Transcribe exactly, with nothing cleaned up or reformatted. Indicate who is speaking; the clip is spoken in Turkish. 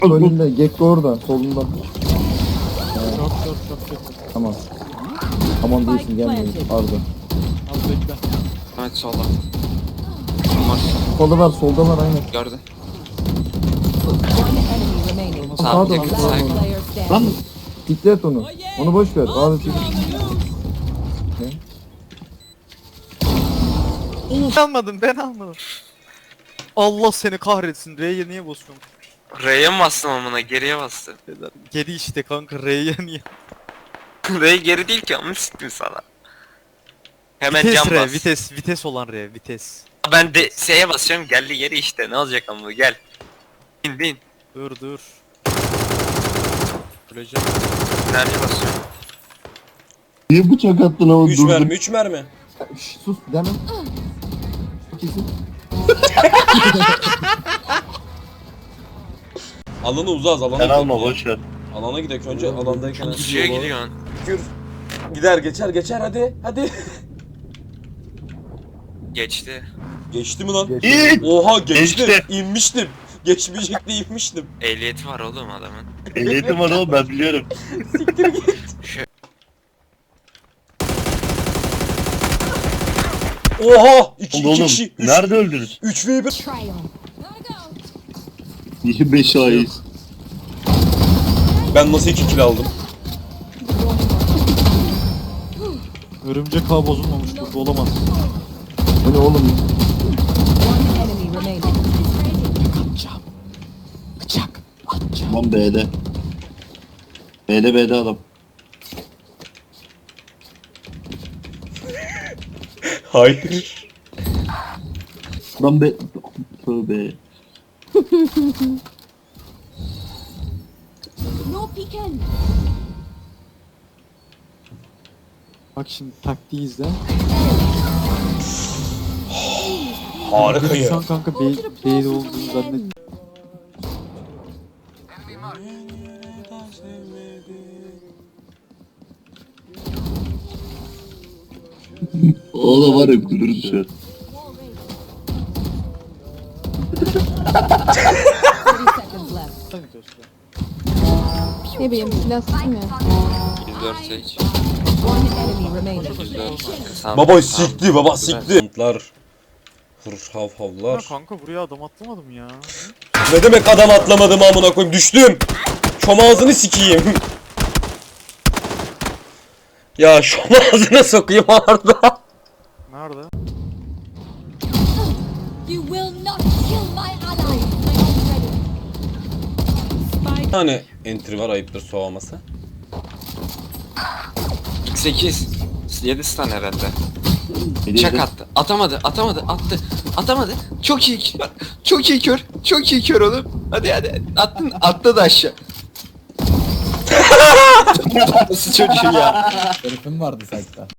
Speaker 1: Önünde Gekko orada solunda.
Speaker 2: Çok çok çok kötü.
Speaker 1: Tamam. Aman değilsin gelmeyin Arda.
Speaker 2: Az bekle.
Speaker 3: Evet solda. Var.
Speaker 1: Solda var solda var aynen.
Speaker 3: Gördün.
Speaker 4: One enemy remaining.
Speaker 3: Sağ
Speaker 1: Sağda
Speaker 3: yakın
Speaker 1: sağda.
Speaker 3: sağ.
Speaker 4: Player standing.
Speaker 1: Lan diklet onu. Onu boş ver. Bazı çekil.
Speaker 2: Ben almadım ben almadım. Allah seni kahretsin. R'ye niye basıyorsun?
Speaker 3: R'ye mi bastın amına? Geriye bastı.
Speaker 2: Geri işte kanka R'ye niye?
Speaker 3: R geri değil ki ama siktim sana. Hemen
Speaker 2: Vites
Speaker 3: cam
Speaker 2: R,
Speaker 3: bas.
Speaker 2: vites, vites olan R, vites.
Speaker 3: Ben de S'ye basıyorum geldi geri işte ne olacak ama gel. Bin bin.
Speaker 2: Dur dur. Öleceğim.
Speaker 3: Nereye basıyorum?
Speaker 1: Niye bıçak attın ama
Speaker 5: üç mermi, üç mermi.
Speaker 1: Şş, sus deme. Kesin.
Speaker 5: Alanı uzağız, alana
Speaker 6: Sen
Speaker 5: gidelim
Speaker 6: alma
Speaker 5: ya.
Speaker 6: boş ver.
Speaker 5: Alana gidelim önce, alandayken.
Speaker 3: Gidiyor gidiyorsun.
Speaker 5: Gür. Gider, geçer, geçer hadi, hadi.
Speaker 3: Geçti.
Speaker 5: Geçti mi lan?
Speaker 6: İyi.
Speaker 5: Oha geçti.
Speaker 6: Geçti.
Speaker 5: İnmiştim. Geçmeyecekti inmiştim.
Speaker 3: Ehliyeti var oğlum adamın.
Speaker 6: Ehliyetim var oğlum ben biliyorum.
Speaker 5: Siktir git.
Speaker 3: Şu
Speaker 5: Oha! İki, iki
Speaker 6: Oğlum
Speaker 5: kişi. Üç,
Speaker 6: nerede öldünüz?
Speaker 5: üç ve bir.
Speaker 4: Triumph.
Speaker 6: Niye beş ayız?
Speaker 5: Ben nasıl iki kill aldım?
Speaker 2: Örümcek ağ bozulmamış burada olamaz.
Speaker 1: Bu ne oğlum?
Speaker 4: One enemy remaining.
Speaker 6: Tamam B'de. B'de B'de adam.
Speaker 5: Hayır.
Speaker 6: Lan B. Tövbe.
Speaker 4: No peeking.
Speaker 2: Bak şimdi taktiği izle.
Speaker 5: Harika
Speaker 2: Şu
Speaker 5: ya.
Speaker 2: an kanka B, B'de olduğunu zannet.
Speaker 6: O da var ya gülürüz şu an.
Speaker 4: thirty seconds left.
Speaker 7: Ne bileyim lastik mi?
Speaker 3: yüz dört seç.
Speaker 4: One enemy remaining.
Speaker 3: yüz dört. Sağ-
Speaker 5: Baba
Speaker 3: sağ-
Speaker 5: sikti, baba sikti. Lar. Hır hav
Speaker 2: Ya
Speaker 5: havlar.
Speaker 2: kanka buraya adam atlamadım ya.
Speaker 5: Ne demek adam atlamadım amına koyayım, düştüm. Şom ağzını sikeyim. Ya şom ağzına sokayım Arda.
Speaker 2: Nerede?
Speaker 4: You will not kill my ally.
Speaker 5: Bir tane entry var, ayıptır soğuması.
Speaker 3: sekiz. yedi stun herhalde.
Speaker 6: B'de
Speaker 3: Çak
Speaker 6: de-
Speaker 3: attı. Atamadı. Atamadı. Attı. Atamadı. Çok iyi kör. Çok iyi kör. Çok iyi kör oğlum. Hadi hadi. Attın. Attı da aşağı. Nasıl çocuğu ya?
Speaker 8: Herifim vardı site'da.